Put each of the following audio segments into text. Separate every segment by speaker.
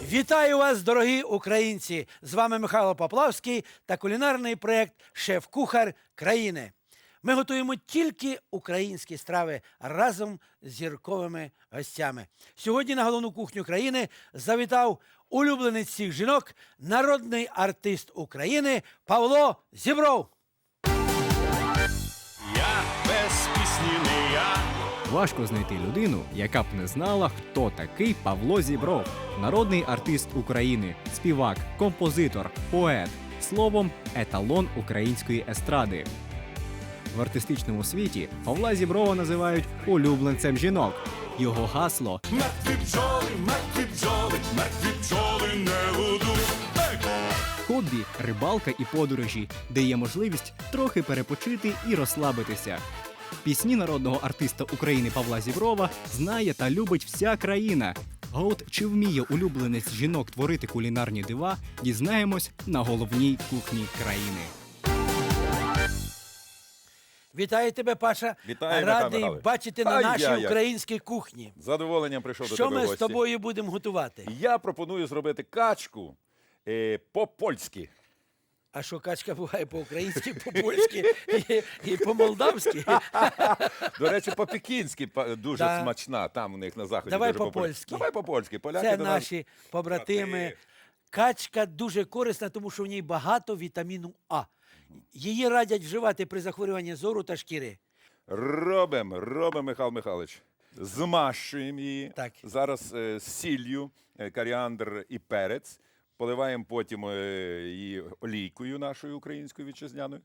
Speaker 1: Вітаю вас, дорогі українці! З вами Михайло Поплавський та кулінарний проєкт «Шеф-кухар країни». Ми готуємо тільки українські страви разом з зірковими гостями. Сьогодні на головну кухню країни завітав улюбленець всіх жінок, народний артист України Павло Зібров.
Speaker 2: Я без пісні не я.
Speaker 3: Важко знайти людину, яка б не знала, хто такий Павло Зібров. Народний артист України, співак, композитор, поет. Словом, еталон української естради. В артистичному світі Павла Зіброва називають улюбленцем жінок. Його гасло
Speaker 2: Мертві бджоли, мертві бджоли не гудуть.
Speaker 3: хобі, рибалка і подорожі, де є можливість трохи перепочити і розслабитися. Пісні народного артиста України Павла Зіброва знає та любить вся країна. А от чи вміє улюбленець жінок творити кулінарні дива, дізнаємось на головній кухні країни.
Speaker 1: Вітаю тебе, Паша.
Speaker 4: Вітаю,
Speaker 1: Радий
Speaker 4: Михайло Михайлович.
Speaker 1: бачити на нашій
Speaker 4: Ай-яй-яй.
Speaker 1: українській кухні.
Speaker 4: З задоволенням прийшов до
Speaker 1: Що
Speaker 4: тебе в
Speaker 1: ми з
Speaker 4: гості.
Speaker 1: тобою будемо готувати?
Speaker 4: Я пропоную зробити качку по-польськи.
Speaker 1: А що качка буває по-українськи, по-польськи і по-молдавськи?
Speaker 4: До речі, по-пекінськи дуже
Speaker 1: Да.
Speaker 4: смачна. Там у них на заході
Speaker 1: Давай
Speaker 4: дуже популярна.
Speaker 1: по-польськи.
Speaker 4: Давай по-польськи. Поляки
Speaker 1: Це
Speaker 4: до нас...
Speaker 1: наші побратими. Качка дуже корисна, тому що в ній багато вітаміну А. Її радять вживати при захворюванні зору та шкіри.
Speaker 4: Робимо, Михайло Михайлович. Змащуємо її.
Speaker 1: Так.
Speaker 4: Зараз з сіллю, коріандр і перець. Поливаємо потім її олійкою нашою українською вітчизняною.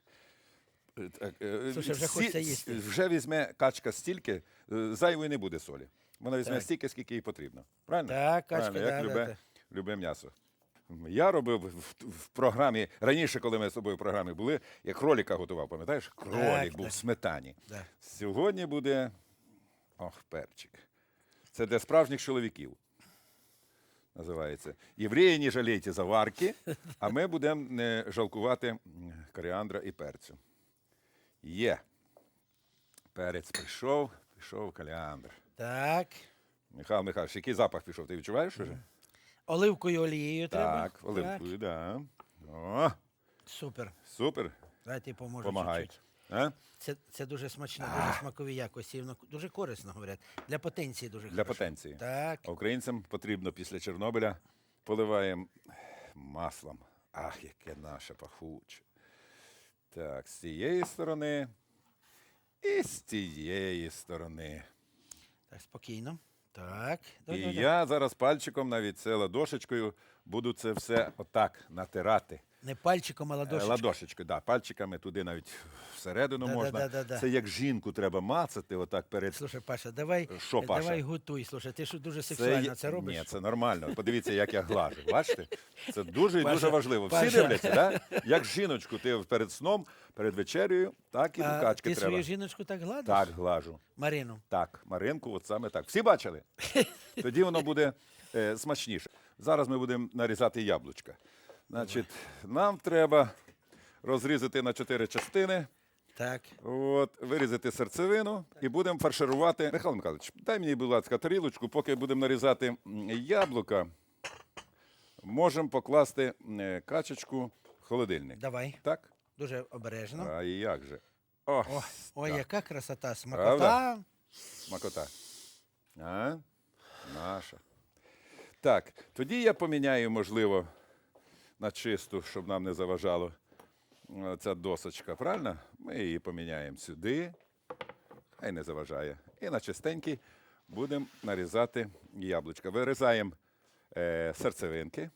Speaker 1: Слушай, вже хочеться їсти.
Speaker 4: Вже візьме качка стільки, зайвої не буде солі. Вона візьме
Speaker 1: Так.
Speaker 4: стільки, скільки їй потрібно. Правильно?
Speaker 1: Так, качка,
Speaker 4: Правильно, як
Speaker 1: да.
Speaker 4: любе м'ясо. Я робив в програмі, раніше, коли ми з тобою в програмі були, я кроліка готував, пам'ятаєш? Кролік був
Speaker 1: так.
Speaker 4: в сметані.
Speaker 1: Да.
Speaker 4: Сьогодні буде, перчик. Це для справжніх чоловіків. Називається. Євреї, не жалійте заварки, а ми будемо не жалкувати коріандра і перцю. Є. Перець пішов коріандр.
Speaker 1: Так.
Speaker 4: Михайло Михайлович, який запах пішов? Ти відчуваєш уже?
Speaker 1: Оливкою олією треба.
Speaker 4: Так, оливкою, да. О,
Speaker 1: Супер.
Speaker 4: супер.
Speaker 1: Давай ти поможу
Speaker 4: Помагай.
Speaker 1: чуть-чуть.
Speaker 4: А?
Speaker 1: Це дуже смачно, дуже смакові якості. Воно дуже корисно, говорять. Для потенції дуже
Speaker 4: Для
Speaker 1: хорошо.
Speaker 4: потенції.
Speaker 1: Так.
Speaker 4: А українцям потрібно після Чорнобиля поливаємо маслом. Ах, яке наше пахуче. Так, з цієї сторони і з цієї сторони.
Speaker 1: Так, спокійно. Так.
Speaker 4: І я зараз пальчиком, навіть це ладошечкою, буду це все отак натирати.
Speaker 1: Не пальчиком, а ладошечкою.
Speaker 4: Ладошечкою, да, пальчиками туди навіть всередину можна.
Speaker 1: Да.
Speaker 4: Це як жінку треба мацати отак перед...
Speaker 1: Слушай, Паша, давай,
Speaker 4: Що, Паша?
Speaker 1: давай готуй. Слушай, ти що дуже сексуально це робиш?
Speaker 4: Ні, це нормально. Подивіться, як я глажу. Бачите? Це дуже і
Speaker 1: Паша,
Speaker 4: дуже важливо. Всі
Speaker 1: Паша.
Speaker 4: дивляться, да? Як жіночку ти перед сном, перед вечерею, так і до
Speaker 1: А
Speaker 4: качки
Speaker 1: ти
Speaker 4: треба.
Speaker 1: свою жіночку так гладиш?
Speaker 4: Так, глажу.
Speaker 1: Марину.
Speaker 4: Так, Маринку, от саме так. Всі бачили? Тоді воно буде смачніше. Зараз ми будемо нарізати яблучка. Значить, нам треба розрізати на 4 частини.
Speaker 1: Так.
Speaker 4: От, вирізати серцевину і будемо фарширувати. Михайло Михайлович, дай мені, будь ласка, тарілочку, поки будемо нарізати яблука, можемо покласти качечку в холодильник.
Speaker 1: Давай.
Speaker 4: Так?
Speaker 1: Дуже обережно.
Speaker 4: А як же?
Speaker 1: Ой,
Speaker 4: так.
Speaker 1: яка красота, смакота.
Speaker 4: Правда? Смакота. А? Наша. Так, тоді я поміняю, можливо, на чисту, щоб нам не заважало ця досочка, правильно? Ми її поміняємо сюди, хай не заважає. І на чистенький будемо нарізати яблучка. Вирізаємо серцевинки.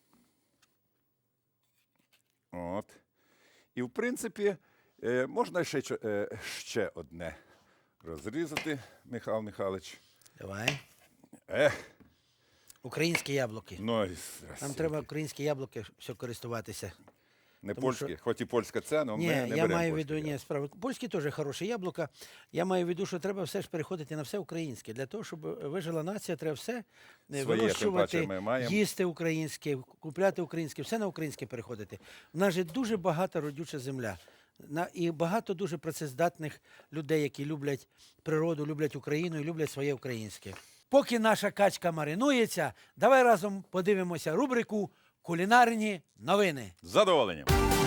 Speaker 4: От. І, в принципі, можна ще одне розрізати, Михайло Михайлович.
Speaker 1: Давай.
Speaker 4: Ех,
Speaker 1: Українські яблуки.
Speaker 4: ну, і
Speaker 1: Нам
Speaker 4: здрасте.
Speaker 1: треба українські яблуки все користуватися.
Speaker 4: Не
Speaker 1: тому
Speaker 4: польські, хоч і польська це, але ми
Speaker 1: Ні,
Speaker 4: не
Speaker 1: я
Speaker 4: беремо
Speaker 1: маю в
Speaker 4: польські
Speaker 1: виду, ні, справа. Польські теж хороші яблука. Я маю в виду, що треба все ж переходити на все українське. Для того, щоб вижила нація, треба все
Speaker 4: Своє,
Speaker 1: вирощувати,
Speaker 4: тим паче, ми маємо.
Speaker 1: їсти українське, купляти українське, все на українське переходити. У нас же дуже багата родюча земля. І багато дуже працездатних людей, які люблять природу, люблять Україну і люблять своє українське. Поки наша качка маринується, давай разом подивимося рубрику «Кулінарні новини».
Speaker 4: З задоволенням.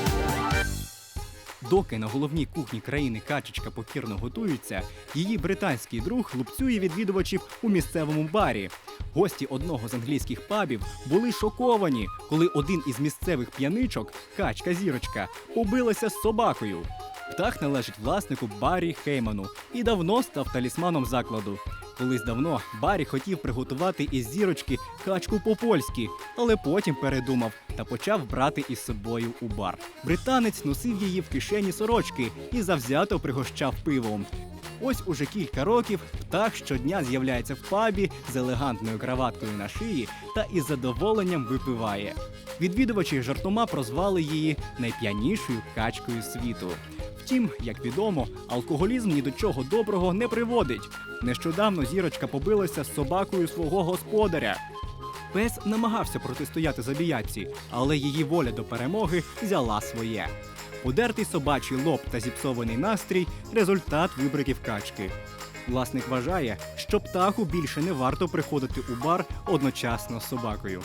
Speaker 3: Доки на головній кухні країни качечка покірно готується, її британський друг лупцює відвідувачів у місцевому барі. Гості одного з англійських пабів були шоковані, коли один із місцевих п'яничок, качка-зірочка, побилася з собакою. Птах належить власнику Баррі Хейману і давно став талісманом закладу. Колись давно Баррі хотів приготувати із зірочки качку по-польськи, але потім передумав та почав брати із собою у бар. Британець носив її в кишені сорочки і завзято пригощав пивом. Ось уже кілька років птах щодня з'являється в пабі з елегантною краваткою на шиї та із задоволенням випиває. Відвідувачі жартома прозвали її найп'янішою качкою світу. Втім, як відомо, алкоголізм ні до чого доброго не приводить. Нещодавно зірочка побилася з собакою свого господаря. Пес намагався протистояти забіятці, але її воля до перемоги взяла своє. Удертий собачий лоб та зіпсований настрій – результат вибриків качки. Власник вважає, що птаху більше не варто приходити у бар одночасно з собакою.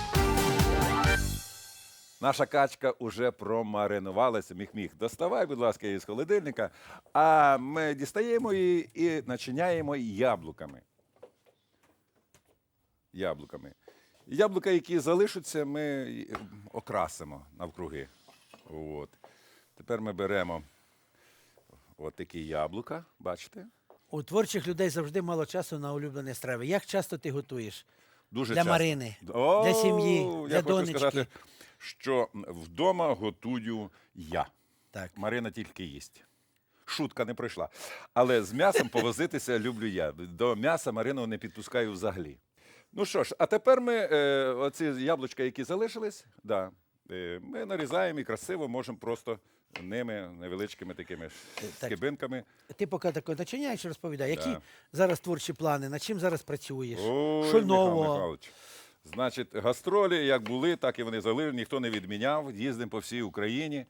Speaker 4: Наша качка уже промаринувалася. Міх-міх, доставай, будь ласка, її з холодильника. А ми дістаємо її і начиняємо яблуками. Яблука, які залишаться, ми окрасимо навкруги. От. Тепер ми беремо от такі яблука, бачите?
Speaker 1: У творчих людей завжди мало часу на улюблені страви. Як часто ти готуєш?
Speaker 4: Дуже
Speaker 1: Для
Speaker 4: часто.
Speaker 1: Марини,
Speaker 4: О,
Speaker 1: для сім'ї, для
Speaker 4: я хочу
Speaker 1: донечки.
Speaker 4: сказати, що вдома готую я.
Speaker 1: Так.
Speaker 4: Марина тільки їсть. Шутка не пройшла. Але з м'ясом повозитися люблю я. До м'яса Марину не підпускаю взагалі. Ну що ж, а тепер ми оці яблучка, які залишились, ми нарізаємо і красиво можемо просто ними невеличкими такими скибинками.
Speaker 1: Ти поки тако начиняєш, розповідай, які
Speaker 4: Да.
Speaker 1: зараз творчі плани, над чим зараз працюєш?
Speaker 4: Ой,
Speaker 1: Що
Speaker 4: Михайло
Speaker 1: нового?
Speaker 4: Михайлович. Значить, гастролі як були, так і вони залишили, ніхто не відміняв. Їздимо по всій Україні.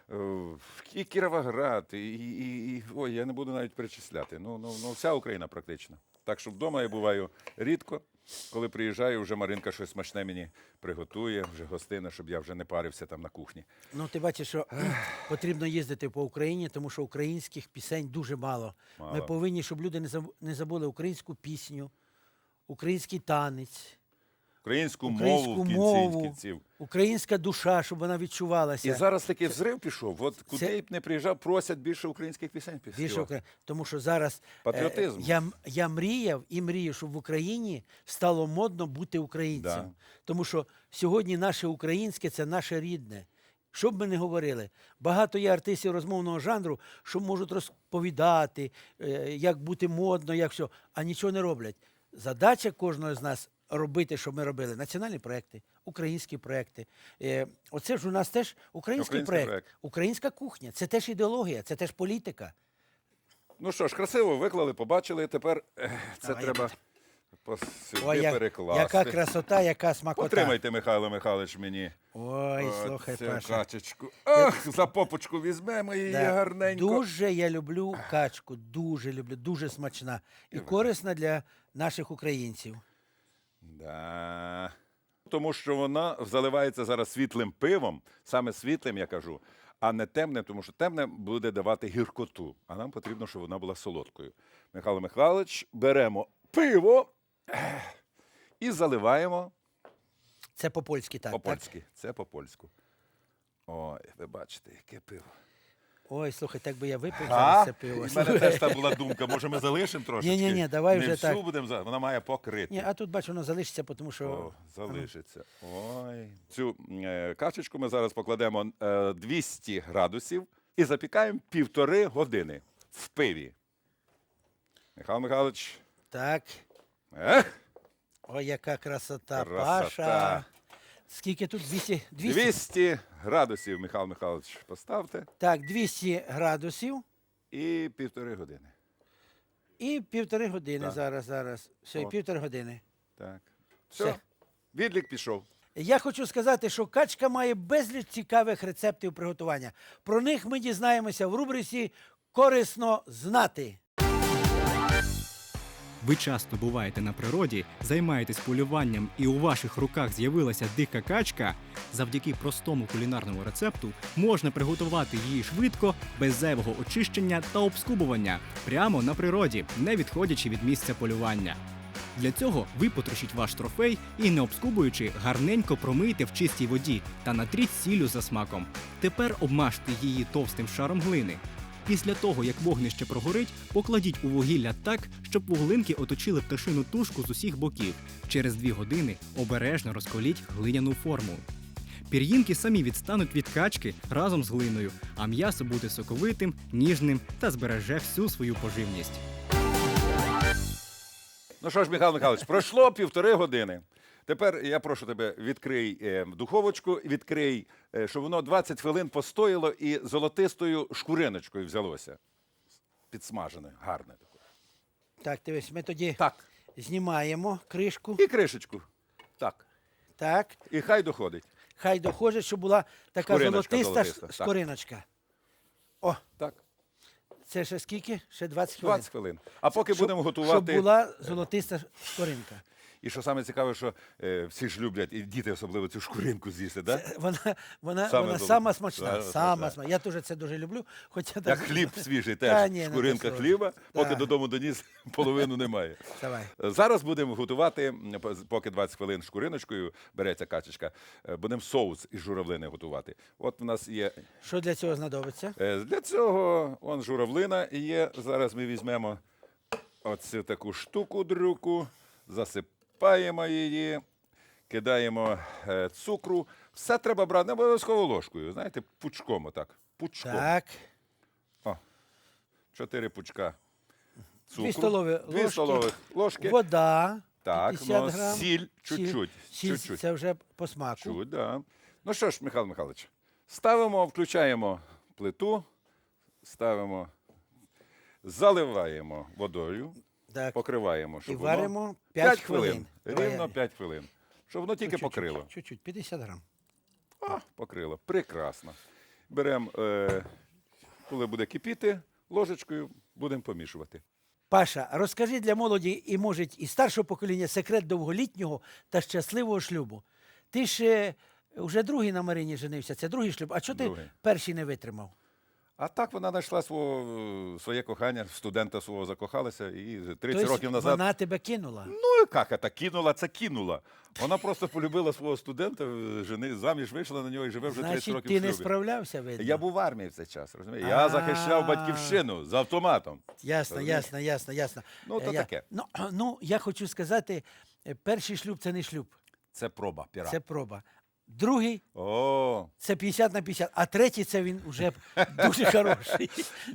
Speaker 4: І Кіровоград, ой, я не буду навіть перечисляти. Ну, вся Україна практично. Так що вдома я буваю рідко. Коли приїжджаю, вже Маринка щось смачне мені приготує, вже гостина, щоб я вже не парився там на кухні.
Speaker 1: Ну, ти бачиш, що потрібно їздити по Україні, тому що українських пісень дуже мало. Ми
Speaker 4: Мало.
Speaker 1: повинні, щоб люди не забули українську пісню, український танець,
Speaker 4: Українську
Speaker 1: українську
Speaker 4: мову в
Speaker 1: мову,
Speaker 4: кінців.
Speaker 1: українська душа, щоб вона відчувалася.
Speaker 4: І зараз такий взрив пішов. От куди
Speaker 1: Це-
Speaker 4: б не приїжджав, просять більше українських пісень.
Speaker 1: Більше тому що зараз
Speaker 4: Патріотизм.
Speaker 1: я мріяв і мрію, щоб в Україні стало модно бути українцем.
Speaker 4: Да.
Speaker 1: Тому що сьогодні наше українське це наше рідне. Що б ми не говорили, багато є артистів розмовного жанру, що можуть розповідати, як бути модно, як все, а нічого не роблять. Задача кожного з нас робити, щоб ми робили національні проекти, українські проекти. Оце ж у нас теж український проект, українська кухня. Це теж ідеологія, це теж політика.
Speaker 4: Ну що ж, красиво виклали, побачили. Тепер це
Speaker 1: Давай,
Speaker 4: треба
Speaker 1: Ой,
Speaker 4: сюди перекласти.
Speaker 1: яка красота, яка смакота.
Speaker 4: Потримайте, Михайло Михайлович, мені.
Speaker 1: Ой, слухай,
Speaker 4: цю
Speaker 1: Паша.
Speaker 4: качечку. Ах, за попочку візьмемо її
Speaker 1: Да.
Speaker 4: гарненько.
Speaker 1: Дуже я люблю качку, дуже люблю, дуже смачна і корисна для наших українців.
Speaker 4: Да. Тому що вона заливається зараз світлим пивом, саме світлим, я кажу, а не темним, тому що темне буде давати гіркоту, а нам потрібно, щоб вона була солодкою. Михайло Михайлович, беремо пиво і заливаємо
Speaker 1: Це по-польськи так.
Speaker 4: по-польськи. Це по-польську. Ой, ви бачите, яке пиво.
Speaker 1: Ой, слухай, так би я випив
Speaker 4: А?
Speaker 1: зараз це пиво.
Speaker 4: У мене теж та була думка, може ми залишимо трошечки?
Speaker 1: Ні-ні-ні, давай
Speaker 4: Не
Speaker 1: вже
Speaker 4: всю
Speaker 1: так.
Speaker 4: будемо, вона має покрити.
Speaker 1: Ні, а тут бачу, воно залишиться, тому що
Speaker 4: О, залишиться. Ой. Цю качечку ми зараз покладемо 200 градусів і запікаємо 1,5 години в пиві. Михайло Михайлович.
Speaker 1: так.
Speaker 4: Ех,
Speaker 1: Ой, яка красота,
Speaker 4: Красота.
Speaker 1: Паша. Скільки тут? 200?
Speaker 4: 200 градусів, Михайло Михайлович, поставте.
Speaker 1: Так, 200 градусів
Speaker 4: І 1,5 години.
Speaker 1: і 1,5 години
Speaker 4: Так.
Speaker 1: зараз. Все, і
Speaker 4: От.
Speaker 1: 1,5 години.
Speaker 4: Так. Все.
Speaker 1: Все.
Speaker 4: Відлік пішов.
Speaker 1: Я хочу сказати, що качка має безліч цікавих рецептів приготування. Про них ми дізнаємося в рубриці «Корисно знати».
Speaker 3: Ви часто буваєте на природі, займаєтесь полюванням і у ваших руках з'явилася дика качка, завдяки простому кулінарному рецепту можна приготувати її швидко, без зайвого очищення та обскубування, прямо на природі, не відходячи від місця полювання. Для цього ви потрушіть ваш трофей і, не обскубуючи, гарненько промийте в чистій воді та натріть сіллю за смаком. Тепер обмажте її товстим шаром глини. Після того, як вогнище прогорить, покладіть у вугілля так, щоб вуглинки оточили пташину тушку з усіх боків. Через 2 години обережно розколіть глиняну форму. Пір'їнки самі відстануть від качки разом з глиною, а м'ясо буде соковитим, ніжним та збереже всю свою поживність.
Speaker 4: Ну що ж, Михайло Михайлович, пройшло 1,5 години. Тепер я прошу тебе, відкрий духовочку, відкрий, щоб воно 20 хвилин постояло і золотистою шкуриночкою взялося. Підсмажене, гарне таке.
Speaker 1: Так, дивись, ми тоді
Speaker 4: Так.
Speaker 1: знімаємо кришку.
Speaker 4: І кришечку. Так.
Speaker 1: Так,
Speaker 4: І хай доходить.
Speaker 1: хай доходить, щоб була така
Speaker 4: Шкуриночка
Speaker 1: золотиста
Speaker 4: золотиста, так.
Speaker 1: скориночка. О,
Speaker 4: Так.
Speaker 1: це ще скільки? Ще 20 хвилин.
Speaker 4: 20 хвилин. А поки будемо
Speaker 1: Щоб
Speaker 4: готувати.
Speaker 1: була золотиста скоринка.
Speaker 4: І що саме цікаве, що всі ж люблять, і діти особливо цю шкуринку з'їсти, так? Да?
Speaker 1: Вона
Speaker 4: Саме
Speaker 1: сама смачна.
Speaker 4: Саме
Speaker 1: Сама
Speaker 4: смачна.
Speaker 1: смачна. Я теж це дуже люблю. Хоча
Speaker 4: Як
Speaker 1: там-
Speaker 4: хліб свіжий
Speaker 1: Та
Speaker 4: теж.
Speaker 1: ні, не
Speaker 4: Шкуринка
Speaker 1: те
Speaker 4: хліба,
Speaker 1: слово.
Speaker 4: поки
Speaker 1: Так.
Speaker 4: додому доніс, половину немає.
Speaker 1: Давай.
Speaker 4: Зараз будемо готувати, поки 20 хвилин шкуриночкою береться качечка, будемо соус із журавлини готувати. От в нас є.
Speaker 1: Що для цього знадобиться?
Speaker 4: Для цього он журавлина є. Зараз ми візьмемо оцю таку штуку-дрюку, засипаємо її, кидаємо цукру. Все треба брати, не обов'язково ложкою, знаєте, пучком отак. Пучком.
Speaker 1: Так.
Speaker 4: 4 пучка цукру.
Speaker 1: 2 столові
Speaker 4: 2
Speaker 1: ложки.
Speaker 4: столових ложки.
Speaker 1: Вода.
Speaker 4: Так,
Speaker 1: 50
Speaker 4: ну,
Speaker 1: грам.
Speaker 4: сіль чуть-чуть.
Speaker 1: Сіль,
Speaker 4: Чуть-чуть.
Speaker 1: це вже по смаку.
Speaker 4: Чуть, да. Ну що ж, Михайло Михайлович, ставимо, включаємо плиту, ставимо, заливаємо водою,
Speaker 1: Так.
Speaker 4: покриваємо,
Speaker 1: І
Speaker 4: щоб
Speaker 1: варимо
Speaker 4: воно
Speaker 1: 5 хвилин.
Speaker 4: Рівно 5 хвилин. Щоб воно тільки
Speaker 1: Чуть-чуть,
Speaker 4: покрило.
Speaker 1: Чуть-чуть, 50 грам.
Speaker 4: Покрило. Прекрасно. Беремо, коли буде кипіти, ложечкою будемо помішувати.
Speaker 1: Паша, розкажи для молоді і, може, і старшого покоління секрет довголітнього та щасливого шлюбу. Ти ж вже другий на Марині женився, це другий шлюб. А чого ти
Speaker 4: Другий.
Speaker 1: перший не витримав?
Speaker 4: А так вона знайшла своє кохання, студента свого закохалася, і 30
Speaker 1: Тобто
Speaker 4: років назад.
Speaker 1: вона тебе кинула?
Speaker 4: Ну, як це? Кинула, це кинула. Вона просто полюбила свого студента, заміж вийшла на нього і живе вже 30
Speaker 1: Значить,
Speaker 4: років
Speaker 1: ти
Speaker 4: в шлюбі.
Speaker 1: не справлявся, видно?
Speaker 4: Я був в армії в цей час, розумієш? Я захищав батьківщину з автоматом.
Speaker 1: Ясно,
Speaker 4: Розумієш?
Speaker 1: ясно.
Speaker 4: Ну, то таке.
Speaker 1: Ну, я хочу сказати, перший шлюб – це не шлюб,
Speaker 4: Це проба піра.
Speaker 1: це проба. Другий
Speaker 4: О,
Speaker 1: – це 50 на 50, а третій – це він вже дуже хороший.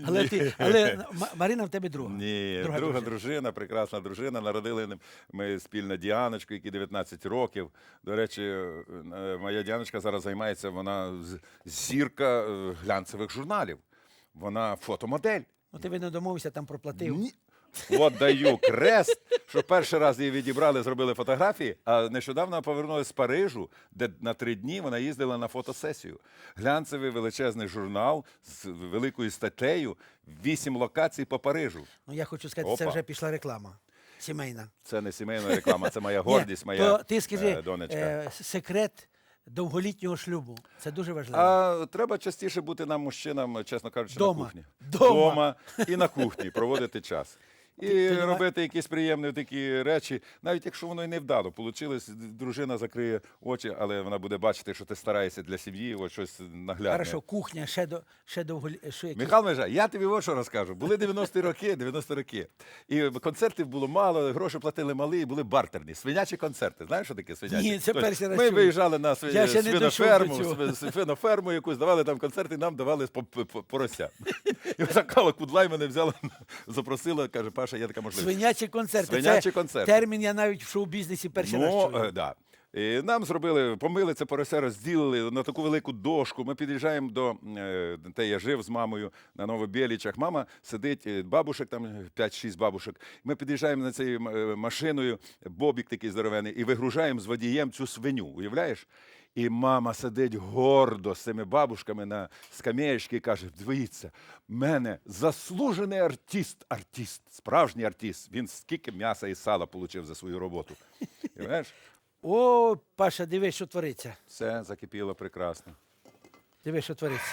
Speaker 1: Але Марина в тебе друга.
Speaker 4: ні, друга дружина, прекрасна дружина. Народили ми спільно Діаночку, якій 19 років. До речі, моя Діаночка зараз займається, вона зірка глянцевих журналів. Вона фотомодель.
Speaker 1: Ну, ти, видно, домовився, там проплатив.
Speaker 4: Ні. От даю крест, що перший раз її відібрали, зробили фотографії, а нещодавно повернулася з Парижу, де на 3 дні вона їздила на фотосесію. Глянцевий величезний журнал з великою статтею, 8 локацій по Парижу.
Speaker 1: Ну, я хочу сказати, це
Speaker 4: Опа.
Speaker 1: вже пішла реклама сімейна.
Speaker 4: Це не сімейна реклама, це моя гордість,
Speaker 1: Ні,
Speaker 4: моя
Speaker 1: то ти скажи,
Speaker 4: донечка.
Speaker 1: секрет довголітнього шлюбу. Це дуже важливо.
Speaker 4: А треба частіше бути нам, мужчинам, чесно кажучи,
Speaker 1: Дома.
Speaker 4: на кухні.
Speaker 1: Дома.
Speaker 4: І на кухні проводити час. І
Speaker 1: Ти давай-
Speaker 4: робити якісь приємні такі речі, навіть якщо воно і не вдало. Получилось, дружина закриє очі, але вона буде бачити, що ти стараєшся для сім'ї, ось щось наглядне.
Speaker 1: Хорошо, кухня, ще довголітнього.
Speaker 4: Михайло Межа, я тобі ось що розкажу. Були 90 роки. І концертів було мало, гроші платили малі, і були бартерні. Свинячі концерти. Знаєш, що таке свинячі?
Speaker 1: Ні, це
Speaker 4: Тобто
Speaker 1: перший раз
Speaker 4: Ми
Speaker 1: чую.
Speaker 4: виїжджали на
Speaker 1: Я ще не дійшов до цього.
Speaker 4: свиноферму якусь, давали там концерти, і нам давали порося. І така Кудлай мене взяла, запросила, каже, Паша, є така можливість.
Speaker 1: Свинячі концерти.
Speaker 4: Свинячі
Speaker 1: Це
Speaker 4: концерти.
Speaker 1: термін я навіть в шоу-бізнесі перший раз чую.
Speaker 4: Да. І нам зробили, помили це порося, розділили на таку велику дошку. Ми під'їжджаємо до, де я жив з мамою на Новобєлічах. Мама сидить, бабушек, там 5-6 бабушек. Ми під'їжджаємо на цією машиною, бобік такий здоровений, і вигружаємо з водієм цю свиню, уявляєш? І мама сидить гордо з цими бабушками на скамеєчці і каже, дивіться, в мене заслужений артист, справжній артист. Він скільки м'яса і сала отримав за свою роботу. Уявляєш?
Speaker 1: О, Паша, дивись, що твориться.
Speaker 4: Все закипіло прекрасно.
Speaker 1: Дивись, що твориться.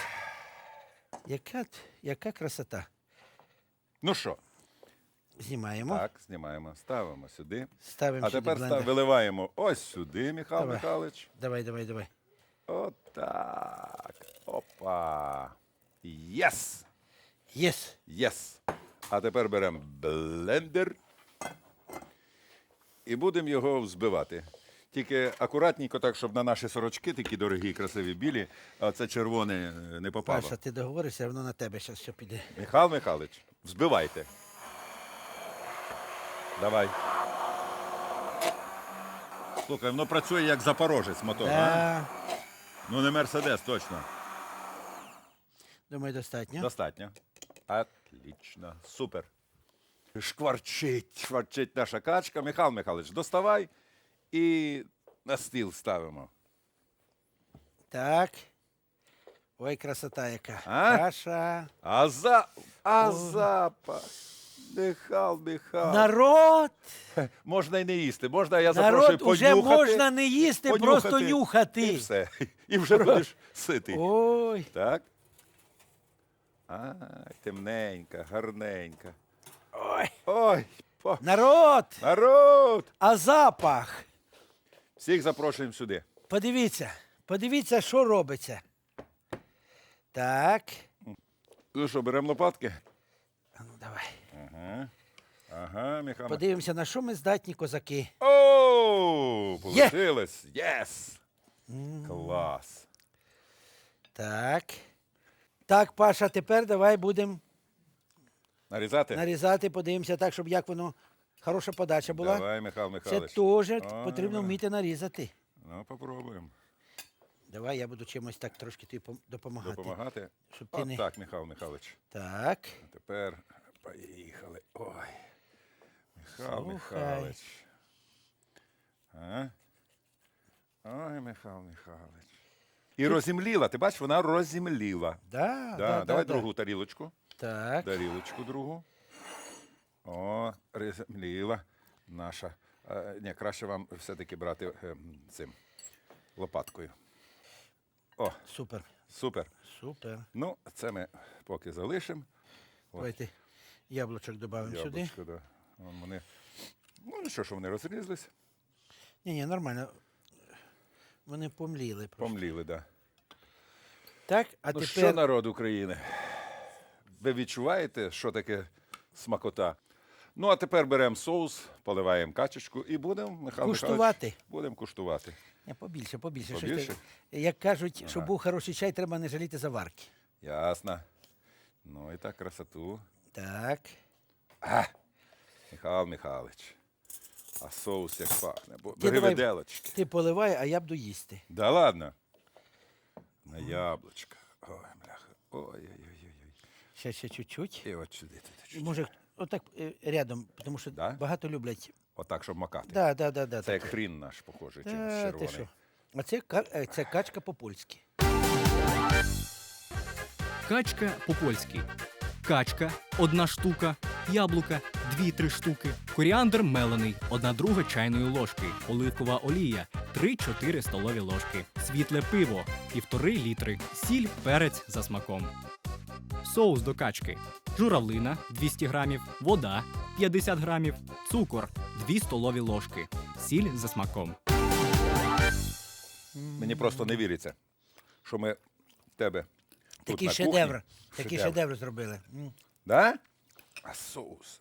Speaker 1: Яка красота.
Speaker 4: Ну що,
Speaker 1: Знімаємо,
Speaker 4: так, знімаємо, ставимо сюди.
Speaker 1: ставимо
Speaker 4: А
Speaker 1: сюди
Speaker 4: тепер
Speaker 1: блендер.
Speaker 4: виливаємо ось сюди, Михайло
Speaker 1: Давай.
Speaker 4: Михайлович.
Speaker 1: Давай.
Speaker 4: Отак. Опа. Єс!
Speaker 1: Єс.
Speaker 4: Єс. А тепер беремо блендер і будемо його взбивати. Тільки акуратненько так, щоб на наші сорочки, такі дорогі, красиві, білі, а це червоне не попало.
Speaker 1: Паша, ти договоришся, воно на тебе зараз що піде.
Speaker 4: Михайло Михайлович, взбивайте. Давай. Слухай, воно працює як запорожець мотор, а?
Speaker 1: Да.
Speaker 4: Ну не Мерседес, точно.
Speaker 1: Думаю, достатньо.
Speaker 4: Достатньо. Отлично. Супер. Шкварчить наша качка. Михайло Михайлович, доставай і на стіл ставимо.
Speaker 1: Так. Ой, красота яка.
Speaker 4: А?
Speaker 1: Паша.
Speaker 4: А запах. Михайло.
Speaker 1: Народ!
Speaker 4: Можна і не їсти. Можна, я запрошую
Speaker 1: Народ, уже
Speaker 4: понюхати.
Speaker 1: можна не їсти, просто нюхати.
Speaker 4: І все. І вже будеш ситий.
Speaker 1: Ой,
Speaker 4: Так. А, темненька, гарненька.
Speaker 1: ой.
Speaker 4: Ой,
Speaker 1: Народ!
Speaker 4: народ!
Speaker 1: А запах?
Speaker 4: Всіх запрошуємо сюди.
Speaker 1: Подивіться, що робиться. Так.
Speaker 4: Ну що, беремо лопатки?
Speaker 1: А ну, давай.
Speaker 4: Ага, Михайло.
Speaker 1: Подивимося, на що ми здатні козаки.
Speaker 4: О, получилось. Єс! Клас.
Speaker 1: Так. Так, Паша, тепер давай будемо
Speaker 4: Нарізати?
Speaker 1: нарізати, подивимося так, щоб як воно, хороша подача була.
Speaker 4: Давай, Михайло
Speaker 1: Це
Speaker 4: Михайлович.
Speaker 1: теж
Speaker 4: Ой,
Speaker 1: потрібно вміти нарізати.
Speaker 4: Ну, попробуємо.
Speaker 1: Давай, я буду чимось так трошки тобі допомагати.
Speaker 4: Допомагати?
Speaker 1: Щоб ти
Speaker 4: От
Speaker 1: не-
Speaker 4: так, Михайло Михайлович.
Speaker 1: Так.
Speaker 4: А тепер поїхали. Ой. Михайло
Speaker 1: Слухай.
Speaker 4: Михайлович. А? Ой, Михайло Михайлович. І розімліла, ти бачиш, вона розімліла. Давай другу тарілочку.
Speaker 1: Так.
Speaker 4: Тарілочку другу. О, розімліла наша. Ні, краще вам все-таки брати цим лопаткою. О,
Speaker 1: Супер.
Speaker 4: супер.
Speaker 1: Супер.
Speaker 4: Ну, це ми поки залишимо.
Speaker 1: Давайте яблучок додамо сюди.
Speaker 4: Яблучко, да. Вон вони, ну, нічого, що вони розрізались.
Speaker 1: Ні, нормально. Вони помліли просто.
Speaker 4: Помліли, так. Да.
Speaker 1: Так, а
Speaker 4: Ну
Speaker 1: тепер
Speaker 4: що, народ України? Ви відчуваєте, що таке смакота? Ну, а тепер беремо соус, поливаємо качечку і будемо, Михайло
Speaker 1: Куштувати?
Speaker 4: Михайлович, будемо куштувати.
Speaker 1: Побільше. Щось
Speaker 4: Побільше?
Speaker 1: так. Як кажуть, щоб був хороший чай, треба не жаліти заварки.
Speaker 4: Ясно. Ну і так красоту.
Speaker 1: Так.
Speaker 4: Михайло Михайлович. А соус як пахне.
Speaker 1: Ти
Speaker 4: Бери
Speaker 1: давай-
Speaker 4: виделочки.
Speaker 1: Ти поливай, а я буду їсти.
Speaker 4: Да ладно. На яблучко. Ой, бляха. Ой-ой-ой.
Speaker 1: Ще чуть-чуть.
Speaker 4: І от сюди.
Speaker 1: Може, отак рядом, тому що
Speaker 4: Да?
Speaker 1: багато люблять.
Speaker 4: Отак, щоб макати.
Speaker 1: Да.
Speaker 4: Це як хрін наш, похожий, чимось
Speaker 1: Ти
Speaker 4: червоний.
Speaker 1: що? А це качка по-польськи.
Speaker 3: Качка по-польськи. Качка – 1 штука, яблука – 2-3 штуки, коріандр мелений – 1/2 чайної ложки, оливкова олія – 3-4 столові ложки, світле пиво – 1,5 літри, сіль, перець за смаком. Соус до качки. Журавлина – 200 грамів, вода – 50 грамів, цукор – 2 столові ложки, сіль за смаком.
Speaker 4: Мені просто не віриться, що ми в тебе тут
Speaker 1: Такий
Speaker 4: на
Speaker 1: шедевр.
Speaker 4: кухні.
Speaker 1: Такий шедевр зробили.
Speaker 4: Да? А соус.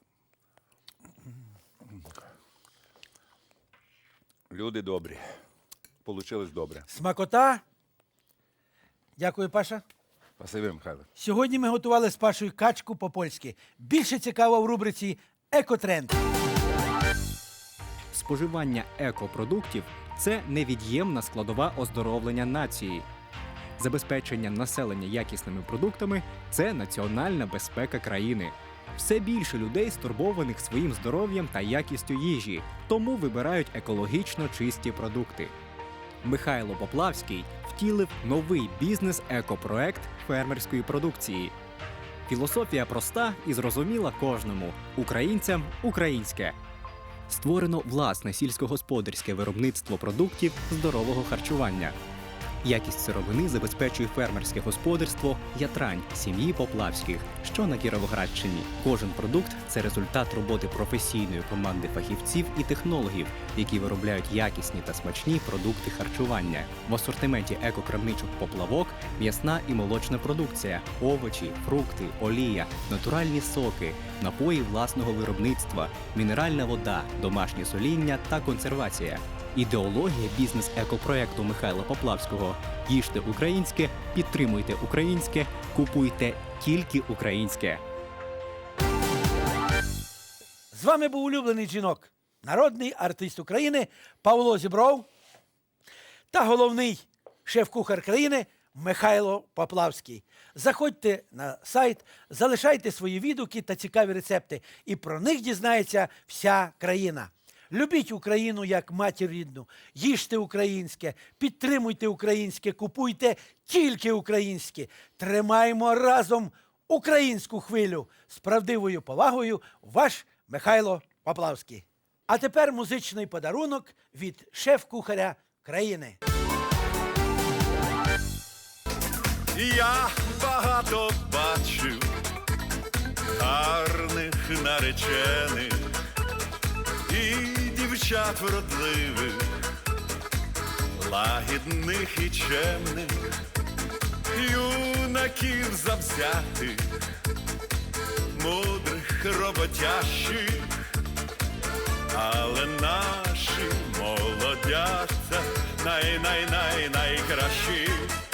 Speaker 4: Люди добрі. Получилось добре.
Speaker 1: Смакота. Дякую, Паша.
Speaker 4: Спасибі, Михайло.
Speaker 1: Сьогодні ми готували з Пашою качку по-польськи. Більше цікаво в рубриці «Екотренд».
Speaker 3: Споживання екопродуктів це невід'ємна складова оздоровлення нації. Забезпечення населення якісними продуктами це національна безпека країни. Все більше людей стурбованих своїм здоров'ям та якістю їжі, тому вибирають екологічно чисті продукти. Михайло Поплавський втілив новий бізнес-екопроект фермерської продукції. Філософія проста і зрозуміла кожному – українцям українське. Створено власне сільськогосподарське виробництво продуктів здорового харчування. Якість сировини забезпечує фермерське господарство «Ятрань» сім'ї Поплавських, що на Кіровоградщині. Кожен продукт – це результат роботи професійної команди фахівців і технологів, які виробляють якісні та смачні продукти харчування. В асортименті екокрамничок «Поплавок» – м'ясна і молочна продукція, овочі, фрукти, олія, натуральні соки, напої власного виробництва, мінеральна вода, домашнє соління та консервація. Ідеологія бізнес-екопроекту Михайла Поплавського – їжте українське, підтримуйте українське, купуйте тільки українське.
Speaker 1: З вами був улюблений жінок, народний артист України Павло Зібров та головний шеф-кухар країни Михайло Поплавський. Заходьте на сайт, залишайте свої відгуки та цікаві рецепти, і про них дізнається вся країна. Любіть Україну як матір рідну, їжте українське, підтримуйте українське, купуйте тільки українське. Тримаємо разом українську хвилю. З правдивою повагою, ваш Михайло Поплавський. А тепер музичний подарунок від шеф-кухаря країни.
Speaker 2: Я багато бачив гарних наречених і дівчат вродливих, лагідних і чемних, юнаків завзятих, мудрих, роботящих, але наші молодята найкращі.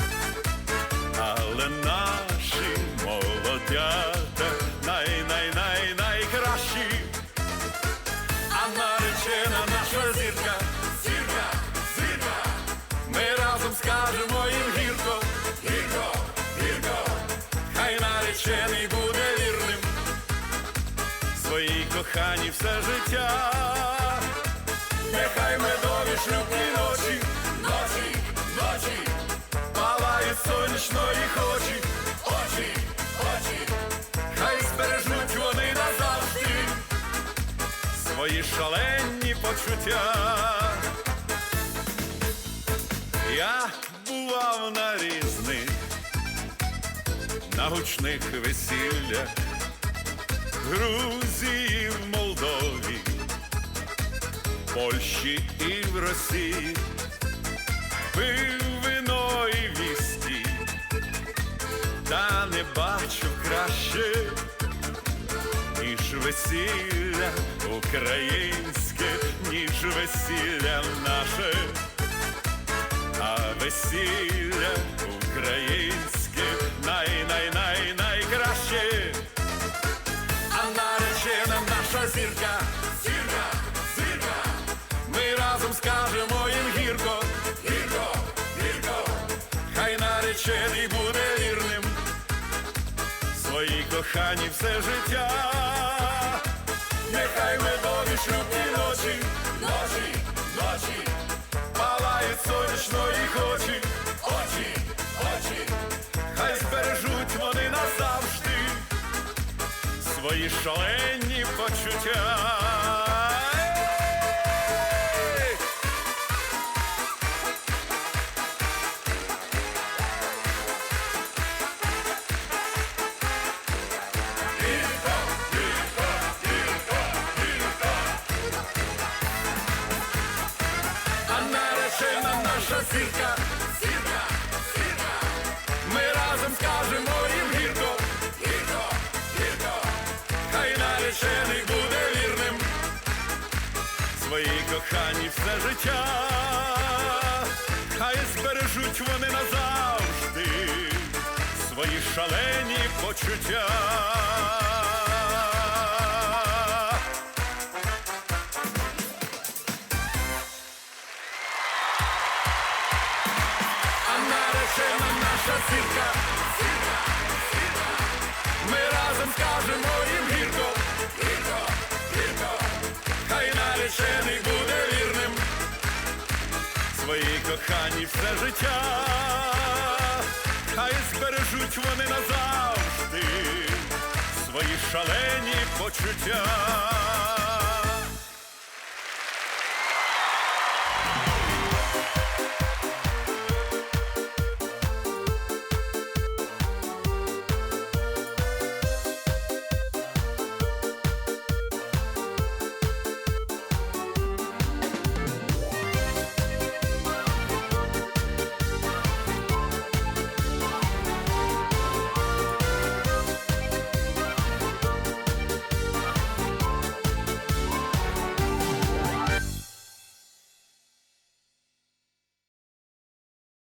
Speaker 2: Але наші молодята найкращі. А наречена наша зірка, зірка, зірка. Ми разом скажемо їм гірко, гірко, гірко. Хай наречений буде вірним своїй коханій все життя. Нехай медові шлюбні ночі, ночі, ночі палають сонячно їх очі, очі, очі. Хай збережуть вони назавжди свої шалені почуття. Я бував на різних, на гучних весіллях, в Грузії, в Молдові, Польщі і в Росії. Пив вино і віскі, та не бачу краще, ніж весілля українське, ніж весілля наше, а весілля українське найкраще. А наречена наша зірка, зірка, зірка. Ми разом скажемо їм гірко, гірко, гірко. Хай наречений буде вірним своїй коханій все життя. Нехай медові шлюбні ночі, ночі, ночі палають сонячно їх очі, очі, очі. Хай збережуть вони назавжди свої шалені почуття. Зірка, зірка, зірка. Ми разом скажемо їм гірко, гірко, гірко. Хай наречений буде вірним своїй коханій все життя. Хай збережуть вони назавжди свої шалені почуття. наречена наша зірка. Ми разом скажемо їм гірко, гірко, гірко. Хай наречений буде вірним своїй коханій все життя. Хай збережуть вони назавжди свої шалені почуття.